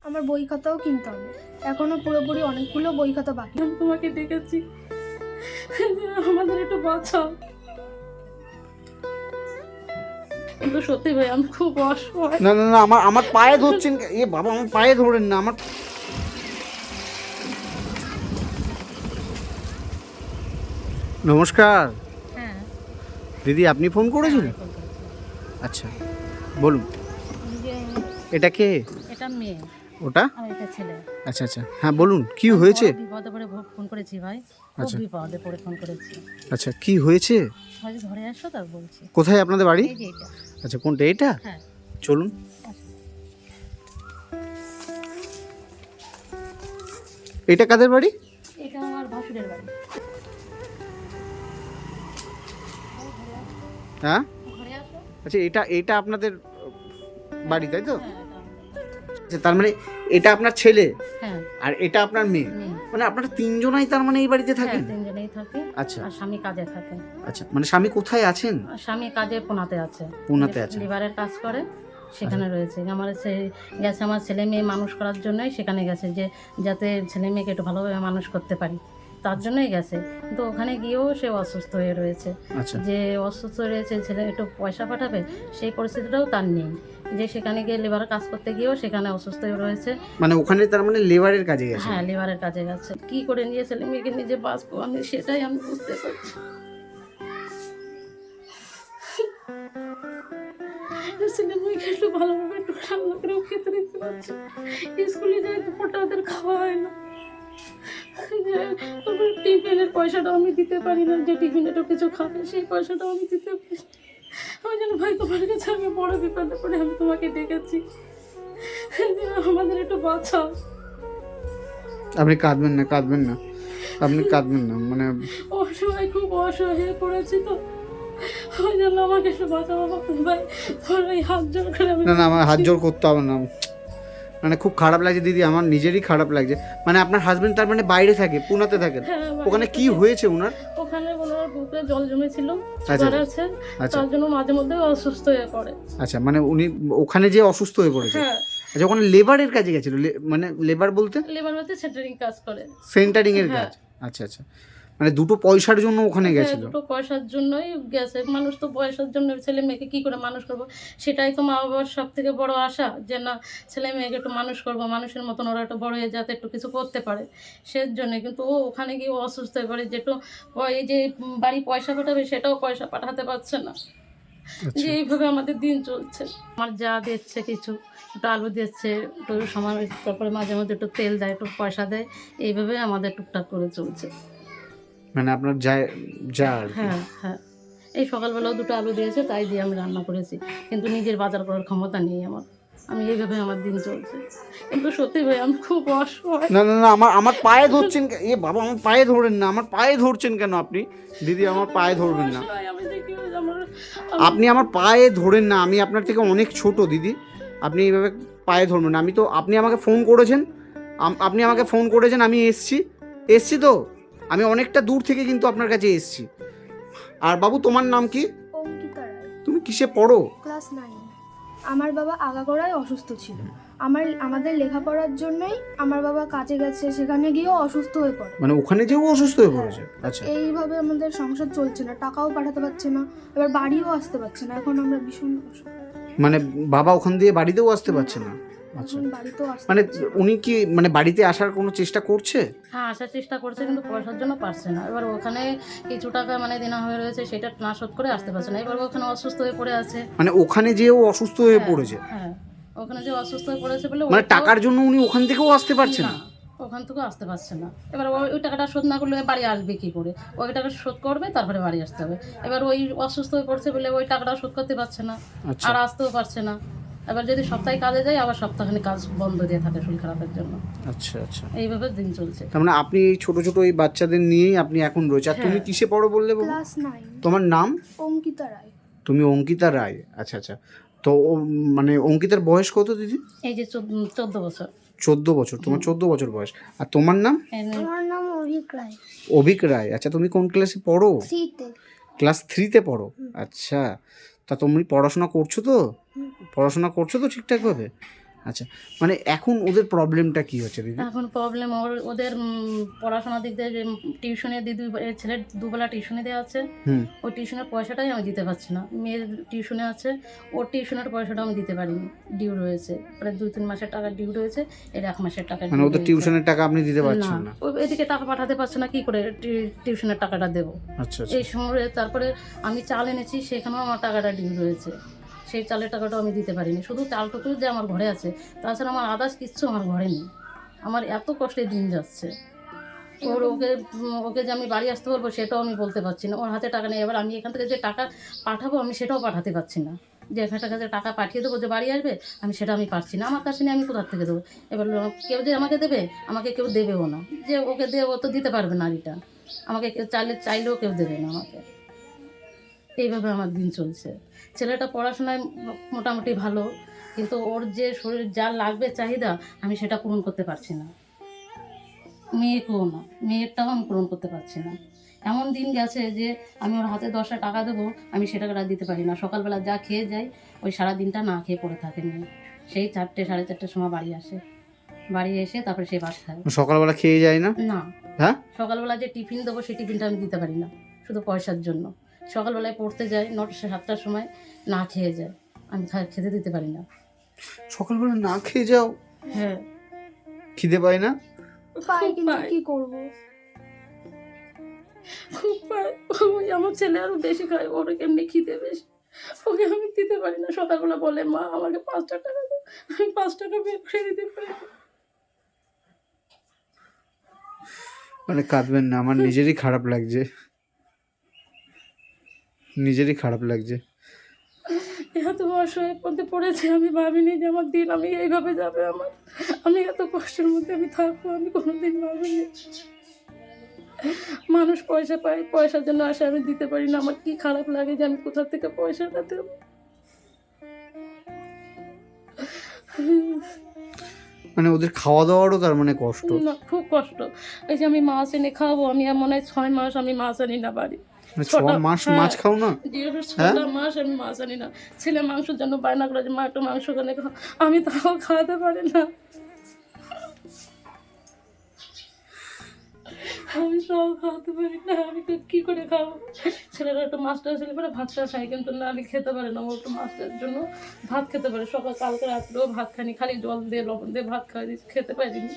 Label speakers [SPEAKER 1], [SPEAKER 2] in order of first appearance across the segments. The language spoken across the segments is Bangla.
[SPEAKER 1] আমার বই খাতাও কিনতে হবে, এখনো পুরোপুরি অনেকগুলো বই খাতা বাকি।
[SPEAKER 2] আমি তোমাকে ডেকেছি, আমাদের একটু বাঁচাও। কিন্তু সত্যি ভাই আমি খুব অসহায়।
[SPEAKER 3] না না না, আমার আমার পায়ে ধরছেন এ বাবা, আমার পায়ে ধরেন না। আমার নমস্কার
[SPEAKER 2] হ্যাঁ
[SPEAKER 3] দিদি, আপনি ফোন করেছিলেন? আচ্ছা বলুন, এটা কে?
[SPEAKER 2] এটা মেয়ে
[SPEAKER 3] ওটা?
[SPEAKER 2] আর এটা ছেলে।
[SPEAKER 3] আচ্ছা আচ্ছা, হ্যাঁ বলুন, কি হয়েছে?
[SPEAKER 2] বিপদে পড়ে ফোন করেছি ভাই, খুব
[SPEAKER 3] আচ্ছা
[SPEAKER 2] বিপদে পড়ে ফোন করেছি।
[SPEAKER 3] আচ্ছা, কি হয়েছে?
[SPEAKER 2] ভাই ঘরে আসো তার বলছি।
[SPEAKER 3] কোথায় আপনাদের বাড়ি?
[SPEAKER 2] এই যে এটা।
[SPEAKER 3] আচ্ছা, কোনটা এটা?
[SPEAKER 2] হ্যাঁ
[SPEAKER 3] চলুন। এটা কাদের বাড়ি?
[SPEAKER 2] এটা আমার ভাসুরের বাড়ি।
[SPEAKER 3] হ্যাঁ
[SPEAKER 2] ঘরে আসো।
[SPEAKER 3] আচ্ছা, এটা এটা আপনাদের বাড়ি তাই তো?
[SPEAKER 2] হ্যাঁ এটা আমাদের।
[SPEAKER 3] আচ্ছা, তার মানে এটা আপনার ছেলে
[SPEAKER 2] হ্যাঁ
[SPEAKER 3] আর এটা আপনার মেয়ে,
[SPEAKER 2] মেয়ে।
[SPEAKER 3] মানে আপনারা তিনজনাই তার মানে এই বাড়িতে
[SPEAKER 2] হ্যাঁ
[SPEAKER 3] থাকেন?
[SPEAKER 2] তিনজনেই থাকে।
[SPEAKER 3] আচ্ছা
[SPEAKER 2] আর স্বামী কাজে থাকে।
[SPEAKER 3] আচ্ছা, মানে স্বামী কোথায় আছেন?
[SPEAKER 2] আর স্বামী কাজে পুনাতে আছে।
[SPEAKER 3] পুনাতে আছে।
[SPEAKER 2] লিভারের কাজ করে, সেখানে রয়েছে। আমার গেছে আমার ছেলে মেয়ে মানুষ করার জন্যই সেখানে গেছে, যে যাতে ছেলে মেয়েকে একটু ভালোভাবে মানুষ করতে পারি, তার জন্যই গেছে। কিন্তু ওখানে গিয়েও সে অসুস্থ হয়ে রয়েছে।
[SPEAKER 3] আচ্ছা
[SPEAKER 2] যে অসুস্থ হয়ে রয়েছে, ছেলে একটু পয়সা পাঠাবে সেই পরিস্থিতিটাও তার নেই। যে সেখানে গিয়ে লেবারের কাজ করতে গিয়েও সেখানে অসুস্থ হয়ে রয়েছে।
[SPEAKER 3] মানে ওখানে তার মানে লেবারের কাজে গেছে?
[SPEAKER 2] হ্যাঁ লিভারের কাজে গেছে। কি করে নিয়ে ছেলে মেয়েকে নিজে বাঁচবো আমি, সেটাই আমি বুঝতে পারছি। ছেলে মেয়েকে একটু ভালোভাবে একটু রান্না করেও খেতে দিতে পারছি। স্কুলে যাই দুপুরটা ওদের খাওয়া হয় না। তারপর টিফিনের পয়সাটাও আমি দিতে পারি না, যে টিফিনেটাও কিছু খাবে সেই পয়সাটাও আমি দিতে পারি না। আমি যেন ভাই তোমার কাছে আমি বড় বিপদে পড়ে আমি তোমাকে ডেকেছি, আমাদের একটু বাঁচাও।
[SPEAKER 3] আপনি কাঁদবেন না, কাঁদবেন না, আপনি কাঁদবেন না, মানে
[SPEAKER 2] অসহায়, খুব অসহায় হয়ে পড়েছি তো, ওই জন্য আমাকে একটু বাঁচাও ভাই। তোমার ওই হাত জোর করে আমি।
[SPEAKER 3] না না, আমার হাত জোর করতে হবে না। মানে খুব খারাপ লাগছে দিদি, আমার নিজেরই খারাপ লাগছে। মানে আপনার হাজবেন্ড তার মানে বাইরে থাকে, পুনাতে থাকেন?
[SPEAKER 2] হ্যাঁ,
[SPEAKER 3] ওখানে কি হয়েছে ওনার?
[SPEAKER 2] ওখানে ওনার বুকে জল জমেছিল,
[SPEAKER 3] আচ্ছা,
[SPEAKER 2] সুগার আছে,
[SPEAKER 3] আচ্ছা
[SPEAKER 2] তার জন্য মাঝে মধ্যে অসুস্থ হয়ে পড়ে।
[SPEAKER 3] আচ্ছা, মানে উনি ওখানে যে অসুস্থ হয়ে পড়েছে?
[SPEAKER 2] হ্যাঁ
[SPEAKER 3] আচ্ছা, ওখানে লেবারের কাজে গেছিল? মানে লেবার বলতে
[SPEAKER 2] লেবার মধ্যে সেন্টারিং কাজ করে।
[SPEAKER 3] সেন্টারিং এর
[SPEAKER 2] হ্যাঁ।
[SPEAKER 3] কাজ? আচ্ছা আচ্ছা, মানে দুটো পয়সার জন্য ওখানে
[SPEAKER 2] হ্যাঁ,
[SPEAKER 3] গেছিল?
[SPEAKER 2] দুটো পয়সার জন্যই গেছে। মানুষ তো পয়সার জন্য ছেলে মেয়েকে কি করে মানুষ করব, সেটাই তো মা বাবার সব থেকে বড় আশা, যে না ছেলে মেয়েকে একটু মানুষ করব, মানুষের মতন ওরা একটু বড় হয়ে যাতে একটু কিছু করতে পারে সেই জন্য। কিন্তু ও ওখানে গিয়ে অসুস্থ হয়ে পড়ে, যেটু এই যে বাড়ি পয়সা পাঠাবে সেটাও পয়সা পাঠাতে পারছে না। যে এইভাবে আমাদের দিন চলছে। আমার যা দিচ্ছে কিছু, একটু আলু দিচ্ছে, একটু সময়, তারপরে মাঝে মধ্যে একটু তেল দেয়, একটু পয়সা দেয়, এইভাবে আমাদের টুকটাক করে চলছে।
[SPEAKER 3] মানে আপনার যা যা আর কি।
[SPEAKER 2] হ্যাঁ হ্যাঁ, এই সকালবেলাও দুটো আলু দিয়েছে, তাই দিয়ে আমি রান্না করেছি। কিন্তু নিজের বাজার করার ক্ষমতা নেই আমার। আমি এইভাবে আমার দিন চলছে। কিন্তু সত্যি ভাই আমি খুব অসহায়।
[SPEAKER 3] না না না, আমার আমার পায়ে ধরছেন এ বাবা, আমার পায়ে ধরেন না। আমার পায়ে ধরছেন কেন আপনি? দিদি, আমার পায়ে ধরবেন না।
[SPEAKER 2] অসহায় আমি, যে কি হয়েছে আমার।
[SPEAKER 3] আপনি আমার পায়ে ধরেন না, আমি আপনার থেকে অনেক ছোট দিদি, আপনি এইভাবে পায়ে ধরবেন না। আমি তো, আপনি আমাকে ফোন করেছেন, আপনি আমাকে ফোন করেছেন, আমি এসছি তো, আমি অনেকটা দূর থেকে কিন্তু আপনার কাছে এসছি। আর বাবু, তোমার নাম কি?
[SPEAKER 1] অঙ্কিতা রায়,
[SPEAKER 3] তুমি কিসে পড়ো?
[SPEAKER 1] ক্লাস 9। আমার বাবা আগাগোড়ায় অসুস্থ ছিল। আমাদের লেখাপড়ার জন্যই আমার বাবা কাজে গেছে, সেখানে গিয়েও অসুস্থ হয়ে পড়ে।
[SPEAKER 3] মানে ওখানে যেও অসুস্থ হয়ে পড়েছে? আচ্ছা,
[SPEAKER 1] এইভাবে আমাদের সংসার চলছে না, টাকাও পাঠাতে পারছে না, এবার বাড়িও আসতে পারছে না। এখন আমরা ভীষণ অসহায়।
[SPEAKER 3] মানে বাবা ওখান দিয়ে বাড়িতেও আসতে পারছে না? আচ্ছা,
[SPEAKER 1] এখন বাড়িতেও আসতে
[SPEAKER 3] মানে
[SPEAKER 1] পারছে না।
[SPEAKER 3] উনি কি মানে বাড়িতে আসার কোনো চেষ্টা করছে?
[SPEAKER 2] হ্যাঁ আসার চেষ্টা করছে, কিন্তু পয়সার জন্য পারছে না। এবার ওখানে কিছু টাকা মানে দেনা হয়ে রয়েছে, সেটা না শোধ করে আসতে পারছে না। এবার ওখানে অসুস্থ হয়ে পড়ে আছে।
[SPEAKER 3] মানে ওখানে যেও অসুস্থ হয়ে পড়েছে?
[SPEAKER 2] হ্যাঁ ওখানে যে অসুস্থ হয়ে পড়েছে বলে
[SPEAKER 3] মানে টাকার জন্য উনি ওখান থেকেও আসতে পারছে না?
[SPEAKER 2] না, ওখান থেকেও আসতে পারছে না। এবার ওই টাকাটা শোধ না করলে বাড়ি আসবে কি করে? ওই টাকা শোধ করবে, তারপরে বাড়ি আসতে হবে। এবার ওই অসুস্থ হয়ে পড়ছে বলে ওই টাকাটা শোধ করতে পারছে না,
[SPEAKER 3] আচ্ছা
[SPEAKER 2] আর আসতেও পারছে না। এবার যদি সপ্তাহে কাজে যায়, আবার সপ্তাহখানি কাজ বন্ধ দিয়ে থাকে শরীর খারাপের জন্য।
[SPEAKER 3] আচ্ছা আচ্ছা,
[SPEAKER 2] এইভাবে দিন চলছে।
[SPEAKER 3] তার মানে আপনি এই ছোট ছোট এই বাচ্চাদের নিয়েই আপনি এখন রয়েছে। আর তুমি
[SPEAKER 2] হ্যাঁ।
[SPEAKER 3] কিসে পড়ো বললে বাবু?
[SPEAKER 1] ক্লাস 9।
[SPEAKER 3] তোমার নাম?
[SPEAKER 1] অঙ্কিতা রায়।
[SPEAKER 3] তুমি অঙ্কিতা রায়? আচ্ছা আচ্ছা, তো মানে অঙ্কিতার বয়স কত দিদি?
[SPEAKER 2] এই যে 14 বছর।
[SPEAKER 3] 14 বছর? তোমার 14 বছর বয়স। আর তোমার নাম?
[SPEAKER 1] আমার নাম অভিক রায়।
[SPEAKER 3] অভিক রায়। আচ্ছা, তুমি কোন ক্লাসে পড়ো?
[SPEAKER 1] 3-তে।
[SPEAKER 3] ক্লাস 3-তে পড়ো? আচ্ছা, তা তুমি পড়াশোনা করছো তো? পড়াশোনা করছো তো ঠিকঠাকভাবে? আচ্ছা, মানে এখন ওদের প্রবলেমটা কি হচ্ছে দিদি?
[SPEAKER 2] এখন প্রবলেম ওদের পড়াশোনার দিক দিয়ে যে টিউশনে ছেলের দুবেলা টিউশনে দেওয়া আছে,
[SPEAKER 3] হুম।
[SPEAKER 2] ওই টিউশনের পয়সাটাই আমি দিতে পারছি না। মেয়ের টিউশনে আছে, ওর টিউশনের পয়সাটা আমি দিতে পারিনি, ডিউ রয়েছে, প্রায় 2-3 মাসের টাকা ডিউ রয়েছে, এর 1 মাসের টাকা
[SPEAKER 3] মানে ওদের টিউশনের টাকা আপনি দিতে পারছেন না?
[SPEAKER 2] ও এদিকে টাকা পাঠাতে পারছে না, কি করে টিউশনের টাকাটা দেবো?
[SPEAKER 3] আচ্ছা
[SPEAKER 2] এই সময় তারপরে আমি চাল এনেছি, সেখানেও আমার টাকাটা ডিউ রয়েছে, সেই চালের টাকাটাও আমি দিতে পারিনি। শুধু চালটুকু যে আমার ঘরে আছে, তাছাড়া আমার আদার্স কিচ্ছু আমার ঘরে নেই। আমার এত কষ্টে দিন যাচ্ছে। ওকে যে আমি বাড়ি আসতে বলবো সেটাও আমি বলতে পারছি না, ওর হাতে টাকা নেই। এবার আমি এখান থেকে যে টাকা পাঠাবো আমি সেটাও পাঠাতে পারছি না, যে এখান থেকে যে টাকা পাঠিয়ে দেবো যে বাড়ি আসবে, আমি পারছি না। আমার কাছে নিয়ে আমি কোথার থেকে দেবো? এবার কেউ যে আমাকে দেবে, আমাকে কেউ দেবেও না। যে ওকে দেবে, ও তো দিতে পারবে না রিটার্ন, আমাকে কেউ চাইলেও কেউ দেবে না আমাকে। এইভাবে আমার দিন চলছে। ছেলেটা পড়াশোনায় মোটামুটি ভালো, কিন্তু ওর যে শরীর যা লাগবে চাহিদা, আমি সেটা পূরণ করতে পারছি না। মেয়েকেও না, মেয়েরটাও আমি পূরণ করতে পারছি না। এমন দিন গেছে যে আমি ওর হাতে 10টা টাকা দেবো, আমি সে টাকাটা দিতে পারি না। সকালবেলা যা খেয়ে যাই, ওই সারা দিনটা না খেয়ে পড়ে থাকে মেয়ে। সেই 4টে 4:30টার সময় বাড়ি আসে, বাড়ি এসে তারপরে সে ভাত খায়।
[SPEAKER 3] সকালবেলা খেয়ে যায় না?
[SPEAKER 2] না,
[SPEAKER 3] হ্যাঁ,
[SPEAKER 2] সকালবেলা যে টিফিন দেবো সেই টিফিনটা আমি দিতে পারি না, শুধু পয়সার জন্য। সকালবেলায় পড়তে যাই, 9-7টার সময় না খেয়ে যায়, আমি খেতে দিতে পারি না।
[SPEAKER 3] সকালবেলা না খেয়ে যাও?
[SPEAKER 2] হ্যাঁ,
[SPEAKER 3] খিদে পায় না?
[SPEAKER 1] পাই,
[SPEAKER 2] খুব
[SPEAKER 1] কিন্তু
[SPEAKER 2] পাই।
[SPEAKER 1] কি করব?
[SPEAKER 2] খুব পায়। ওই আমার ছেলে আরো বেশি খায়, ওর এমনি খিদে বেশি, ওকে আমি দিতে পারি না। সকালবেলা বলে, মা আমাকে 5টা টাকা দাও, আমি 5 টাকা বের করে দিতে পারি না।
[SPEAKER 3] মানে কাঁদবেন না, আমার নিজেরই খারাপ লাগছে, নিজেরই খারাপ লাগছে।
[SPEAKER 2] এত অসহায় মধ্যে পড়েছে, আমি ভাবিনি যে আমার দিন আমি এইভাবে যাবে। আমি এত কষ্টের মধ্যে আমি থাকবো, আমি কোনোদিন ভাবিনি। মানুষ পয়সা পায়, পয়সার জন্য আসে, আমি দিতে পারি না। আমার কি খারাপ লাগে যে আমি কোথা থেকে পয়সাটা দেবো।
[SPEAKER 3] মানে ওদের খাওয়া দাওয়ারও তার মানে কষ্ট?
[SPEAKER 2] না, খুব কষ্ট। এই যে আমি মাছ এনে খাওয়াবো, আমি মনে হয় 6 মাস আমি মাছ আনি না বাড়ি।
[SPEAKER 3] 6 মাস মাছ খাও না?
[SPEAKER 2] 6টা মাস আমি মাছ আনি না। ছেলে মাংসের জন্য বায়না করে যে মা একটু মাংস কেনে খাও, আমি তাও খাওয়াতে পারি না। আমি তাও খাওয়াতে পারি না, আমি তো কী করে খাবো? ছেলেরা একটু মাছটা ছেলে পরে ভাতটা খাই, কিন্তু না, আমি খেতে পারে না। ও একটু মাছটার জন্য ভাত খেতে পারে, কালকে রাত্রেও ভাত খানি, খালি জল দিয়ে লবণ দিয়ে ভাত খাওয়াই দিয়েছি, খেতে পারিনি।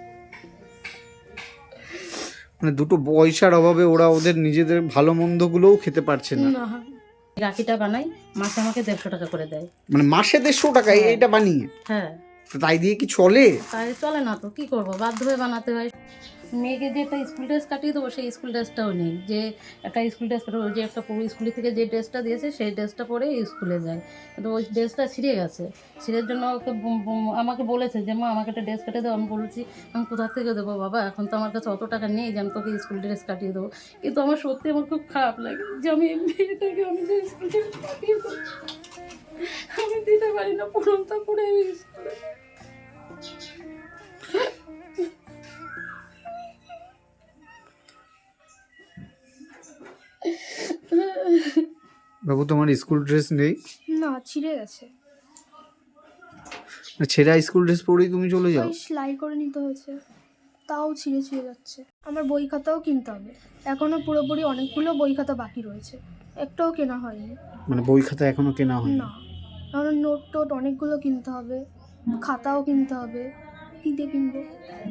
[SPEAKER 3] মানে দুটো পয়সার অভাবে ওরা ওদের নিজেদের ভালো মন্দগুলোও খেতে পারছে না।
[SPEAKER 2] না, রাখিটা বানাই, মাসে আমাকে 150 টাকা করে দেয়।
[SPEAKER 3] মানে মাসে 150 টাকা এটা বানিয়ে?
[SPEAKER 2] হ্যাঁ।
[SPEAKER 3] তাই দিয়ে কি চলে?
[SPEAKER 2] তাই চলে না তো, কি করবো, বাধ্য হয়ে বানাতে হয়। মেয়েকে যে একটা স্কুল ড্রেস কাটিয়ে দেবো, সেই স্কুল ড্রেসটাও নেই। যে একটা স্কুল ড্রেস কাটাবো, যে একটা পুরো স্কুলে থেকে যে ড্রেসটা দিয়েছে সেই ড্রেসটা পরে স্কুলে যায়, কিন্তু ওই ড্রেসটা ছিঁড়ে গেছে। ছিঁড়ের জন্য ওকে আমাকে বলেছে যে মা আমাকে একটা ড্রেস কাটিয়ে দেবো। আমি বলেছি আমি কোথা থেকে দেবো বাবা, এখন তো আমার কাছে অত টাকা নেই যে আমি তোকে স্কুল ড্রেস কাটিয়ে দেবো। কিন্তু আমার সত্যি আমার খুব খারাপ লাগে যে আমি মেয়েটাকে আমি যে স্কুল ড্রেস কাটিয়ে দেবো, আমি দিতে পারি না, পুরোটা পরে আমি স্কুলে।
[SPEAKER 3] বাবু তোমার স্কুল ড্রেস নেই?
[SPEAKER 1] না, ছিঁড়ে গেছে।
[SPEAKER 3] ছেঁড়া স্কুল ড্রেস পরেই তুমি চলে যাও?
[SPEAKER 1] ওই সেলাই করে নিতে হয়েছে, তাও ছিঁড়ে ছিঁড়ে যাচ্ছে। আমার বই খাতাও কিনতে হবে, এখনো পুরোপুরি অনেকগুলো বই খাতা বাকি রয়েছে, একটাও কেনা হয়নি।
[SPEAKER 3] মানে বই খাতা এখনো কেনা হয়নি?
[SPEAKER 1] না, কারণ নোট টোট অনেকগুলো কিনতে হবে, খাতাও কিনতে হবে, কী দিয়ে কিনবো?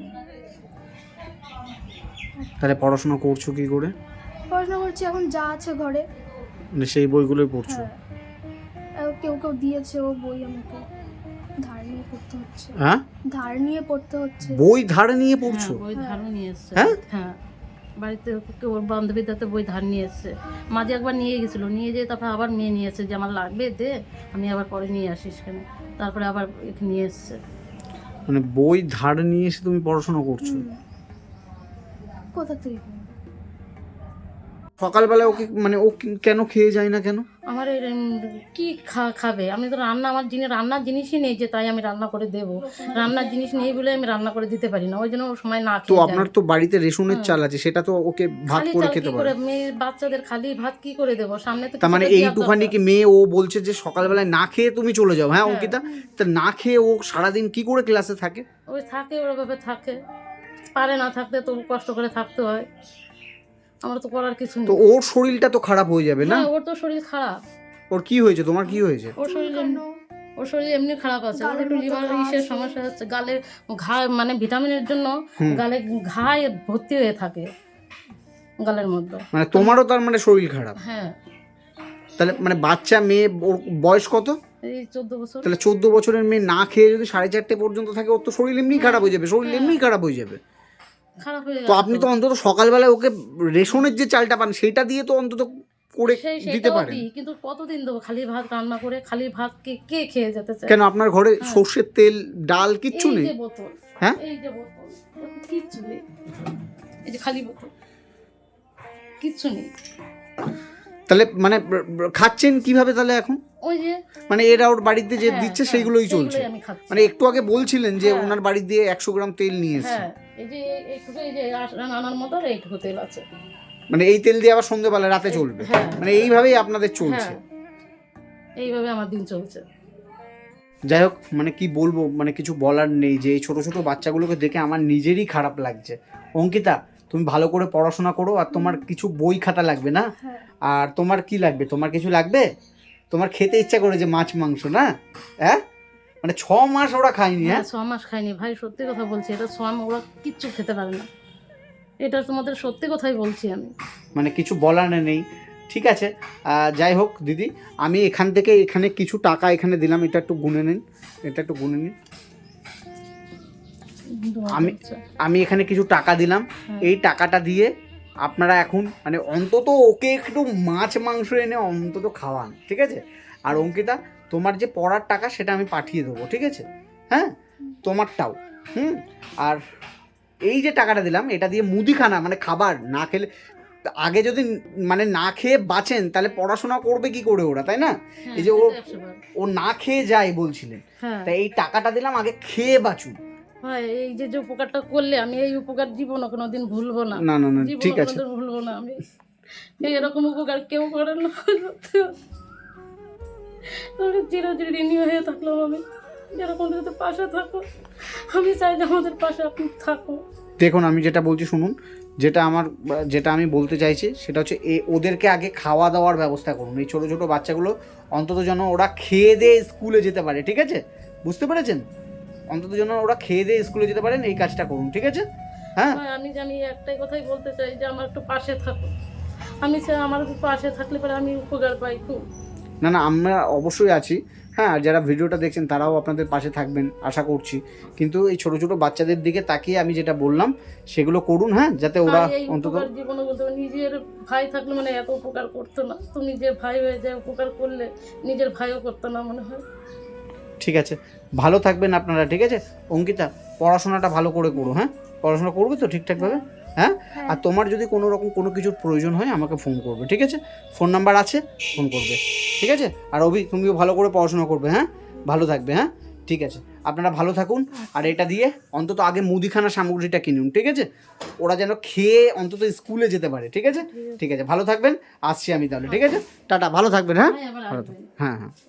[SPEAKER 3] তাহলে পড়াশোনা করছো কি করে?
[SPEAKER 1] পড়াশোনা করছি, এখন যা আছে ঘরে।
[SPEAKER 3] মানে সেই বইগুলোই পড়ছো?
[SPEAKER 1] হ্যাঁ, কেউ কেউ দিয়েছে ও বই, আমাকে ধার নিয়ে পড়তে হচ্ছে।
[SPEAKER 3] হ্যাঁ,
[SPEAKER 1] ধার নিয়ে পড়তে হচ্ছে।
[SPEAKER 3] বই ধারে নিয়ে পড়ছো?
[SPEAKER 2] বই ধারও নিয়ে এসছে।
[SPEAKER 3] হ্যাঁ?
[SPEAKER 2] হ্যাঁ, বাড়িতে ওর বান্ধবীদের বই ধার নিয়ে এসছে। মাঝে একবার নিয়ে গেছিলো, নিয়ে যেয়ে তারপরে আবার মেয়ে নিয়ে এসছে যে আমার লাগবে দে, আমি আবার পরে নিয়ে আসিস কেন, তারপরে আবার নিয়ে এসছে।
[SPEAKER 3] মানে বই ধার নিয়ে এসে তুমি পড়াশোনা করছো?
[SPEAKER 1] কোথা থেকে কিনবো?
[SPEAKER 3] সকালবেলা ওকে মানে ও কেন খেয়ে যায় না কেন?
[SPEAKER 2] আমার এই কি খাবে? আমি তো রান্নার জিনিসই নেই যে তাই আমি রান্না করে দেবো। রান্নার জিনিস নেই বলে আমি রান্না করে দিতে পারি না, ওই জন্য ও সময় না
[SPEAKER 3] তো
[SPEAKER 2] খেয়ে যায়।
[SPEAKER 3] আপনার তো বাড়িতে রেশনের চাল আছে, সেটা তো ওকে ভাত
[SPEAKER 2] খালি
[SPEAKER 3] করে
[SPEAKER 2] চাল
[SPEAKER 3] খেতে
[SPEAKER 2] কি
[SPEAKER 3] পারে।
[SPEAKER 2] করে মেয়ের বাচ্চাদের খালি ভাত কি করে দেবো? সামনে তো
[SPEAKER 3] তার মানে
[SPEAKER 2] কিছুটা দেওয়ার
[SPEAKER 3] এইটুখানি
[SPEAKER 2] দরকার।
[SPEAKER 3] কি মেয়ে ও বলছে যে সকালবেলায় না খেয়ে তুমি চলে যাও? হ্যাঁ
[SPEAKER 2] হ্যাঁ।
[SPEAKER 3] অঙ্কিতা, তা না খেয়ে ও সারাদিন কি করে ক্লাসে থাকে?
[SPEAKER 2] ওই থাকে ওরভাবে থাকে, পারে না থাকতে তবু কষ্ট করে থাকতে হয়, আমার তো করার কিছু
[SPEAKER 3] তো
[SPEAKER 2] নেই।
[SPEAKER 3] ওর শরীরটা তো খারাপ হয়ে যাবে না?
[SPEAKER 2] হ্যাঁ, ওর তো শরীর খারাপ।
[SPEAKER 3] ওর কি হয়েছে, তোমার কি হয়েছে?
[SPEAKER 2] ওর শরীর এমনি খারাপ আছে, ওর
[SPEAKER 1] গালের
[SPEAKER 2] একটু
[SPEAKER 1] মধ্যে
[SPEAKER 2] লিভার
[SPEAKER 1] ঘা
[SPEAKER 2] ইসের
[SPEAKER 1] আছে।
[SPEAKER 2] সমস্যা হচ্ছে, গালে ঘা মানে ভিটামিনের জন্য গালে ঘা ভর্তি হয়ে থাকে গালের মধ্যে।
[SPEAKER 3] মানে তোমারও তার মানে শরীর খারাপ?
[SPEAKER 2] হ্যাঁ।
[SPEAKER 3] তাহলে মানে বাচ্চা মেয়ে, ওর বয়স কত?
[SPEAKER 2] এই 14 বছর।
[SPEAKER 3] তাহলে 14 বছরের মেয়ে না খেয়ে যদি 4:30 পর্যন্ত থাকে, ওর তো শরীর এমনি খারাপ হয়ে যাবে, শরীর এমনি খারাপ হয়ে যাবে।
[SPEAKER 2] খারাপ হয়ে
[SPEAKER 3] তো
[SPEAKER 2] গেছে
[SPEAKER 3] আপনি তো অন্তত সকালবেলায় ওকে রেশনের যে চালটা পান সেটা দিয়ে তো অন্তত করে দিতে
[SPEAKER 2] সেটাও
[SPEAKER 3] পারেন।
[SPEAKER 2] দিই, কিন্তু কতদিন দেবো? খালি ভাত রান্না করে খালি ভাত কে খেয়ে যেতে চায়?
[SPEAKER 3] কেন আপনার ঘরে সর্ষের তেল, ডাল কিচ্ছু
[SPEAKER 2] এই
[SPEAKER 3] নেই?
[SPEAKER 2] যে বোতল,
[SPEAKER 3] হ্যাঁ,
[SPEAKER 2] এই যে বোতল, কিচ্ছু নেই, এই যে খালি বোতল, কিচ্ছু নেই।
[SPEAKER 3] তাহলে মানে খাচ্ছেন কিভাবে তাহলে এখন?
[SPEAKER 2] ওই যে
[SPEAKER 3] মানে এরা ওর বাড়িতে যে
[SPEAKER 2] হ্যাঁ,
[SPEAKER 3] দিচ্ছে
[SPEAKER 2] হ্যাঁ,
[SPEAKER 3] সেইগুলোই চলছে?
[SPEAKER 2] আমি খাচ্ছি।
[SPEAKER 3] মানে একটু আগে বলছিলেন যে
[SPEAKER 2] হ্যাঁ।
[SPEAKER 3] ওনার বাড়ি দিয়ে 100 গ্রাম তেল নিয়ে এসেছে।
[SPEAKER 2] হ্যাঁ, এই যে এইটুকু, এই যে আনার মতো এইটুকু তেল আছে।
[SPEAKER 3] মানে এই তেল দিয়ে আবার সন্ধ্যেবেলা রাতে চলবে?
[SPEAKER 2] হ্যাঁ।
[SPEAKER 3] মানে এইভাবেই আপনাদের চলছে?
[SPEAKER 2] হ্যাঁ, এইভাবে আমার দিন চলছে।
[SPEAKER 3] যাই হোক, মানে কি বলবো, মানে কিছু বলার নেই যে এই ছোট ছোট বাচ্চাগুলোকে দেখে আমার নিজেরই খারাপ লাগছে। অঙ্কিতা, তুমি ভালো করে পড়াশোনা করো, আর তোমার কিছু বই খাতা লাগবে না?
[SPEAKER 1] হ্যাঁ।
[SPEAKER 3] আর তোমার কি লাগবে, তোমার কিছু লাগবে? তোমার খেতে ইচ্ছা করে যে মাছ মাংস, না? হ্যাঁ, মানে 6 মাস ওরা খায়নি? হ্যাঁ,
[SPEAKER 2] 6 মাস খাইনি ভাই, সত্যি কথা বলছি, এটা 6 মাস ওরা কিচ্ছু খেতে পারে না, এটা তোমাদের সত্যি কথাই বলছি আমি।
[SPEAKER 3] মানে কিছু বলার নেই। ঠিক আছে, যাই হোক দিদি, আমি এখান থেকে এখানে কিছু টাকা এখানে দিলাম, এটা একটু গুনে নিন, এটা একটু গুনে নিন। আমি এখানে কিছু টাকা দিলাম, এই টাকাটা দিয়ে আপনারা এখন মানে অন্তত ওকে একটু মাছ মাংস এনে অন্তত খাওয়ান, ঠিক আছে? আর অঙ্কিতা, তোমার যে পড়ার টাকা সেটা আমি পাঠিয়ে দেবো, ঠিক আছে? হ্যাঁ, তোমারটাও। আর এই যে টাকাটা দিলাম, এটা দিয়ে মুদিখানা মানে খাবার না খেলে, আগে যদি মানে না খেয়ে বাঁচেন তাহলে পড়াশোনা করবে কি করে ওরা, তাই না? এই যে ও না খেয়ে যায় বলছিলেন, তাই এই টাকাটা দিলাম, আগে খেয়ে বাঁচুন।
[SPEAKER 2] ভাই এই যে উপকারটা করলে, আমি এই উপকার জীবনে কোনোদিন ভুলবো না।
[SPEAKER 3] না না না,
[SPEAKER 2] জীবনে
[SPEAKER 3] ঠিক আছে,
[SPEAKER 2] কোনোদিন ভুলবো না আমি। এরকম উপকার কেউ করে না। আমি চিরঋণী হয়ে থাকলাম, আমি এরকম যদি পাশে থাকো, আমি চাই যে আমাদের পাশে আপনি থাকো।
[SPEAKER 3] দেখুন, আমি যেটা বলছি শুনুন, যেটা আমি বলতে চাইছি সেটা হচ্ছে ওদেরকে আগে খাওয়া দাওয়ার ব্যবস্থা করুন। এই ছোটো ছোটো বাচ্চাগুলো অন্তত যেন ওরা খেয়ে দিয়ে স্কুলে যেতে পারে, ঠিক আছে? বুঝতে পেরেছেন? অন্তত যেন ওরা খেয়ে দিয়ে স্কুলে যেতে পারেন, এই কাজটা করুন, ঠিক আছে? হ্যাঁ,
[SPEAKER 2] আমি একটাই কথাই বলতে চাই যে আমার একটু পাশে থাকো, আমি চাই আমার পাশে থাকলে পরে আমি উপকার পাই খুব।
[SPEAKER 3] না না, আমরা অবশ্যই আছি। হ্যাঁ, আর যারা ভিডিওটা দেখছেন তারাও আপনাদের পাশে থাকবেন আশা করছি। কিন্তু এই ছোটো ছোটো বাচ্চাদের দিকে তাকিয়ে আমি যেটা বললাম সেগুলো করুন, হ্যাঁ, যাতে ওরা অন্তত
[SPEAKER 2] জীবনে বলতে নিজের ভাই থাকলে মানে এত উপকার করতো না, তো নিজের ভাই হয়ে যায় উপকার করলে নিজের ভাইও করতো না মনে হয়।
[SPEAKER 3] ঠিক আছে, ভালো থাকবেন আপনারা, ঠিক আছে? অঙ্কিতা, পড়াশোনাটা ভালো করে করো, হ্যাঁ? পড়াশোনা করবে তো ঠিকঠাকভাবে? হ্যাঁ, আর তোমার যদি কোনো রকম কোনো কিছুর প্রয়োজন হয় আমাকে ফোন করবে, ঠিক আছে? ফোন নাম্বার আছে, ফোন করবে, ঠিক আছে? আর অভি, তুমিও ভালো করে পড়াশোনা করবে, হ্যাঁ? ভালো থাকবে, হ্যাঁ? ঠিক আছে, আপনারা ভালো থাকুন। আর এটা দিয়ে অন্তত আগে মুদিখানা সামগ্রীটা কিনুন, ঠিক আছে? ওরা যেন খেয়ে অন্তত স্কুলে যেতে পারে, ঠিক আছে? ঠিক আছে, ভালো থাকবেন, আসছি আমি তাহলে, ঠিক আছে? টাটা, ভালো থাকবেন, হ্যাঁ?
[SPEAKER 2] ভাই আবার
[SPEAKER 3] ভালো
[SPEAKER 2] আসবেন।
[SPEAKER 3] থাকবেন, হ্যাঁ হ্যাঁ।